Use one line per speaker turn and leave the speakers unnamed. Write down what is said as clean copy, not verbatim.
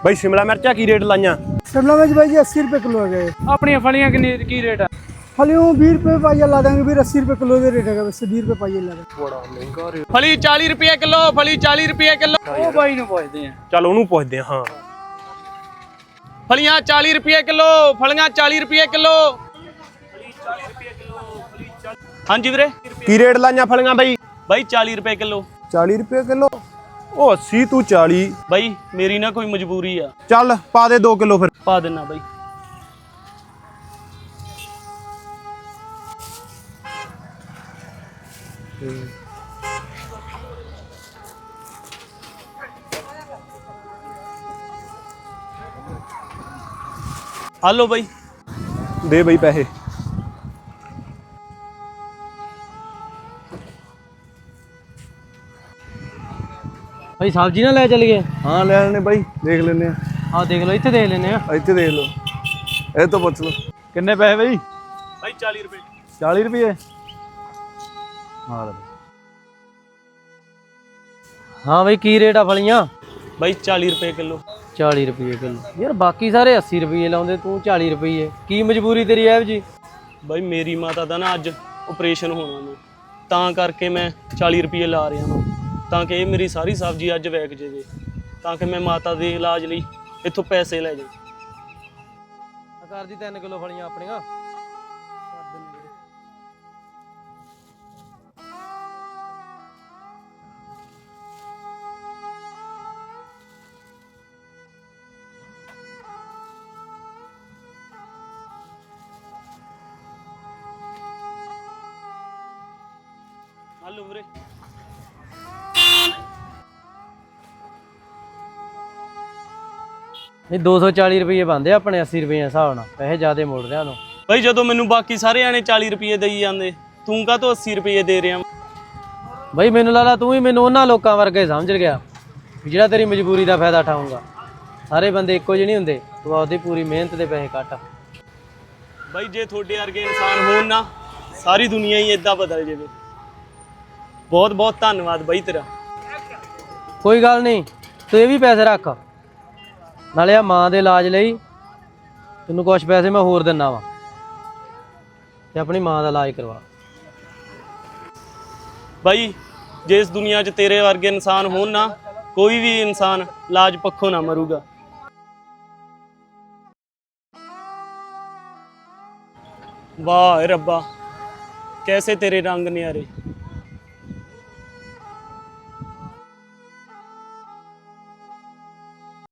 ਬਈ शिमला मिर्चा की रेट लाइया?
शिमला मिर्च भाई जी 80 रुपये किलो है गए।
अपनी फलियां की रेट है?
फलियों 20 रुपये पाइया ला देंगे, फिर 80 रुपये किलो का रेट है, वैसे 20 रुपये पाइया ला देंगे।
बड़ा महंगा रेट।
फली 40 रुपये किलो, फली 40 रुपये किलो। ओ भाई नु पुछदे हैं।
चल ओनू पुछदे हां।
फलियां 40 रुपये किलो, फलियां 40 रुपये किलो। हाँ जी वीरे
की रेट लाइया फलियां बई?
भाई 40 रुपये किलो।
40 रुपये किलो? ओ 80 तू 40।
भाई मेरी ना कोई मजबूरी है।
चल पा दे 2 किलो फिर।
पा देना भाई। हेलो भाई
दे बई पैसे।
भाई सब्जी ना ले चल गए?
हाँ ले लेने भाई, देख लेने।
हाँ देख लो, इतने देख लेने।
ਇੱਥੇ ਦੇਖ ਲਓ, ਇਹ ਤੋਂ ਪੁੱਛ ਲਓ ਕਿੰਨੇ ਪੈਸੇ ਬਈ?
भाई 40 रुपये।
40 ਰੁਪਏ? ਹਾਂ
हाँ भाई की रेट आ फलियां?
भाई 40 रुपये किलो।
40 रुपये किलो यार, बाकी सारे 80 रुपये लाਉਂਦੇ, तू 40 रुपये की मजबूरी तेरी है जी?
भाई मेरी माता ਦਾ ਨਾ ਅੱਜ ਆਪਰੇਸ਼ਨ ਹੋਣਾ ਨੂੰ, ਤਾਂ ਕਰਕੇ ਮੈਂ 40 ਰੁਪਏ ਲਾ ਰਿਹਾ ਹਾਂ, ਤਾਂ ਕਿ ਇਹ ਮੇਰੀ ਸਾਰੀ ਸਬਜ਼ੀ ਅੱਜ ਵਿਕ ਜਾਵੇ, ਤਾਂ ਕਿ ਮੈਂ ਮਾਤਾ ਦੇ ਇਲਾਜ ਲਈ ਇੱਥੋਂ ਪੈਸੇ ਲੈ ਜਾ।
कर दी 3 किलो फलियां अपनियां।
हेलो वीरे
नहीं 240 रुपये बनते अपने 80 रुपये हिसाब नाल, पैसे ज्यादा मुड़ रहा तू।
भाई ਜਦੋਂ ਮੈਨੂੰ ਬਾਕੀ ਸਾਰੇ ਆਣੇ 40 ਰੁਪਏ ਦੇਈ ਜਾਂਦੇ, ਤੂੰ ਕਾਹ ਤੋਂ 80 ਰੁਪਏ ਦੇ ਰਿਹਾ?
भाई मैनू लाला तू ही मैनू उन्हां लोकां वर्गे समझ गया ਜਿਹੜਾ तेरी मजबूरी का फायदा उठाऊंगा। सारे बंदे इक्को ਜਿਹੇ नहीं ਹੁੰਦੇ, तू आपदी पूरी मेहनत ਦੇ पैसे ਕੱਟ।
भाई ਜੇ ਤੁਹਾਡੇ ਵਰਗੇ ਇਨਸਾਨ ਹੋਣ ਨਾ, ਸਾਰੀ ਦੁਨੀਆ ਹੀ ਇਦਾਂ ਬਦਲ ਜਾਵੇ। ਬਹੁਤ ਬਹੁਤ ਧੰਨਵਾਦ ਬਾਈ ਤੇਰਾ।
कोई गल नहीं, तू ये भी पैसे रख, नाले आ मां दे इलाज लई तैनूं कुछ पैसे मैं होर दिन्ना वा, ते अपनी मां दा इलाज करवा।
ਬਾਈ ਜੇ ਇਸ ਦੁਨੀਆ 'ਚ ਤੇਰੇ ਵਰਗੇ ਇਨਸਾਨ ਹੋਣ ਨਾ, ਕੋਈ ਵੀ ਇਨਸਾਨ ਇਲਾਜ ਪੱਖੋਂ ਨਾ ਮਰੂਗਾ। ਵਾਹ ਰੱਬਾ, कैसे तेरे रंग न्यारे।